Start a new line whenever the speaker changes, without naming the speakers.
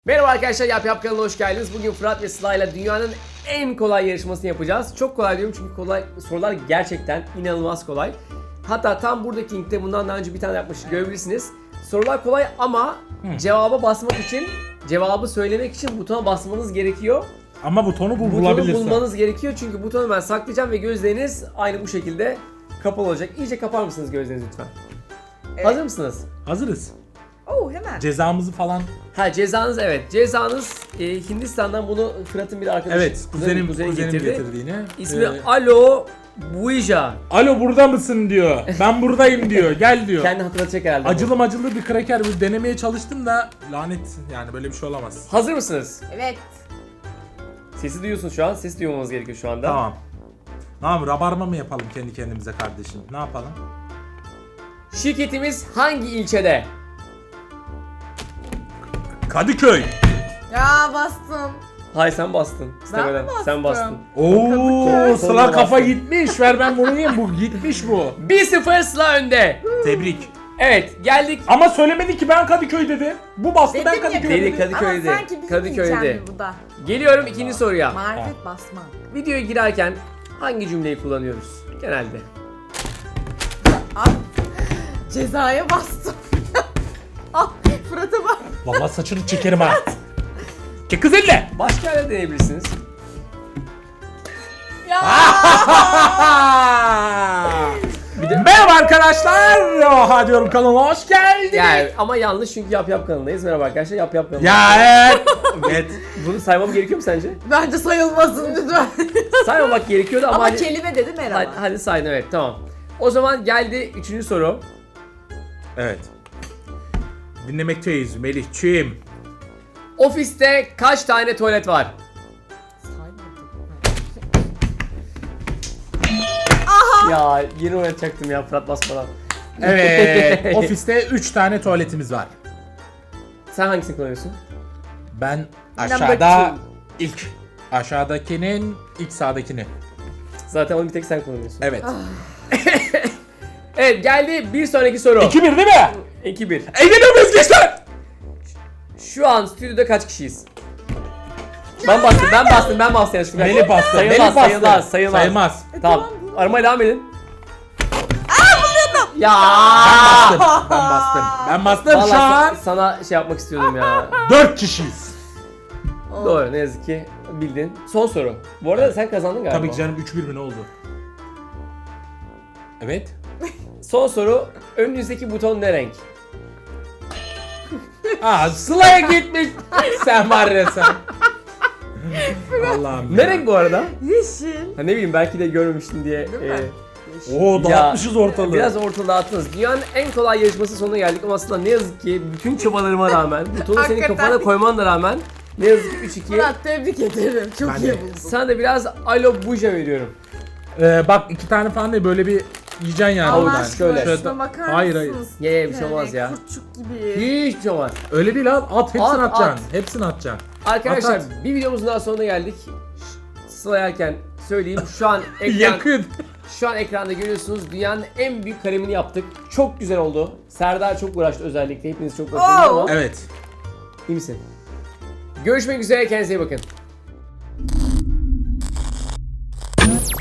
Merhaba arkadaşlar, Yap kanalına hoş geldiniz. Bugün Fırat ve Sıla ile dünyanın en kolay yarışmasını yapacağız. Çok kolay diyorum çünkü sorular gerçekten inanılmaz kolay. Hatta tam buradaki linkte bundan daha önce bir tane yapmıştık, görebilirsiniz. Sorular kolay ama cevaba basmak için, cevabı söylemek için butona basmanız gerekiyor.
Ama butonu
Butonu
bulabilirsin.
bulmanız gerekiyor çünkü butonu ben saklayacağım ve gözleriniz aynı bu şekilde kapalı olacak. İyice kapar mısınız gözlerinizi lütfen?
Evet.
Hazır mısınız?
Hazırız.
Oo hemen.
Cezamızı falan.
Ha, cezanız evet. Cezanız Hindistan'dan bunu Fırat'ın bir arkadaşı,
Evet, kuzenim getirdiğini.
İsmi Alo Buija.
Alo burada mısın diyor. Ben buradayım diyor. Gel diyor.
Kendi hatırlatacak herhalde.
Acılı bir kraker bir denemeye çalıştım da lanet yani böyle bir şey olamaz.
Hazır mısınız?
Evet.
Sesi duyuyorsunuz şu an. Ses duymamız gerekiyor şu anda.
Tamam. Tamam, rabarma mı yapalım kendi kendimize kardeşim? Ne yapalım?
Şirketimiz hangi ilçede?
Kadıköy.
Ya bastım.
Hay sen bastın. İstemeden.
bastım?
Sen bastın.
Oo,
Sonuna
Sıla kafa
bastım.
gitmiş. Ver ben bunu yiyeyim. Bu gitmiş bu.
1-0 Sıla önde.
Tebrik.
Evet, geldik.
Ama söylemedi ki ben Kadıköy dedi. Bu bastı
Dedim
ben
ya,
Kadıköy
Dedi
dedi.
Kadıköy'de.
Ama sanki bizim
Kadıköy'de.
diyeceğim bu da.
Geliyorum ikinci soruya.
Marifet basmak.
Videoya girerken hangi cümleyi kullanıyoruz genelde?
Ah. Cezaya bastım. Ah Fırat'a bak.
Vallahi saçını çekerim ha. Çek kız elle.
Başka yerde deneyebilirsiniz.
Ya.
Merhaba arkadaşlar. Oha diyorum, kanalıma hoş geldiniz.
Yani ama yanlış çünkü Yap kanalındayız. Merhaba arkadaşlar, Yap kanalındayız.
Ya evet. Evet.
Bunu saymam gerekiyor mu sence?
Bence sayılmasın lütfen.
Saymamak gerekiyordu ama,
Ama
hadi,
kelime dedi merhaba.
hadi saydın, evet, tamam. O zaman geldi üçüncü soru.
Evet. Dinlemekteyiz Melih'ciğim.
Ofiste kaç tane tuvalet var? Ya yeni oynatacaktım ya Fırat basmadan.
Evet. Ofiste 3 tane tuvaletimiz var.
Sen hangisini kullanıyorsun?
Ben
Number
aşağıda ilk aşağıdakinin ilk sağdakini.
Zaten onu bir tek sen kullanıyorsun.
Evet.
Evet, geldi bir sonraki soru.
2-1 değil mi?
2-1.
Eğleniyoruz gençler.
Şu an stüdyoda kaç kişiyiz? Ben bastım yanlışlıkla.
Melih bastı.
Sayılmaz,
Melih bastı.
sayılmaz.
Sayılmaz.
Tamam. Aramaya devam edin. Ya.
Ben bastım. Şu
Vallahi
an
sana şey yapmak istiyordum ya.
4 kişiyiz.
Doğru, ne yazık ki bildin. Son soru. Bu arada sen kazandın galiba.
Tabii ki canım, 3-1 mi ne oldu? Evet.
Son soru. Önünüzdeki buton ne renk?
Aa, Sıla'ya gitmiş. Sen var ya sen. Allah'ım.
Ne renk bu arada?
Yeşil.
Ha, ne bileyim, belki de görmemiştin diye.
Değil mi?
Oo,
Ya,
dağıtmışız ortalığı.
Biraz ortalığı dağıttınız. Dünyanın en kolay yarışması sonuna geldik ama aslında ne yazık ki bütün çabalarıma rağmen, butonu senin
Hakikaten.
kafana koyman da rağmen ne yazık ki 3-2.
Fırat tebrik ederim. Çok
Ben
iyi
de.
buldun.
Sana da biraz Alo Buja veriyorum.
Bak 2 tane falan değil, böyle bir yiyeceksin yani.
Allah
Allah
oradan.
aşkına
şöyle.
şuna bakar
Hayır, hayır.
mısınız?
Ye, bir şey olmaz ya.
Kurtçuk gibi.
Hiçbir şey olmaz.
Öyle değil abi. At hepsini
At,
atacaksın. Hepsini atacaksın.
Arkadaşlar
At.
bir videomuzun daha sonuna geldik. Sıla yerken söyleyeyim, şu an
Yakın.
şu an ekranda görüyorsunuz, dünyanın en büyük kalemini yaptık. Çok güzel oldu. Serdar çok uğraştı özellikle. Hepiniz çok uğraştınız
Oo.
ama
Evet.
iyi misin? Görüşmek üzere, kendinize iyi bakın.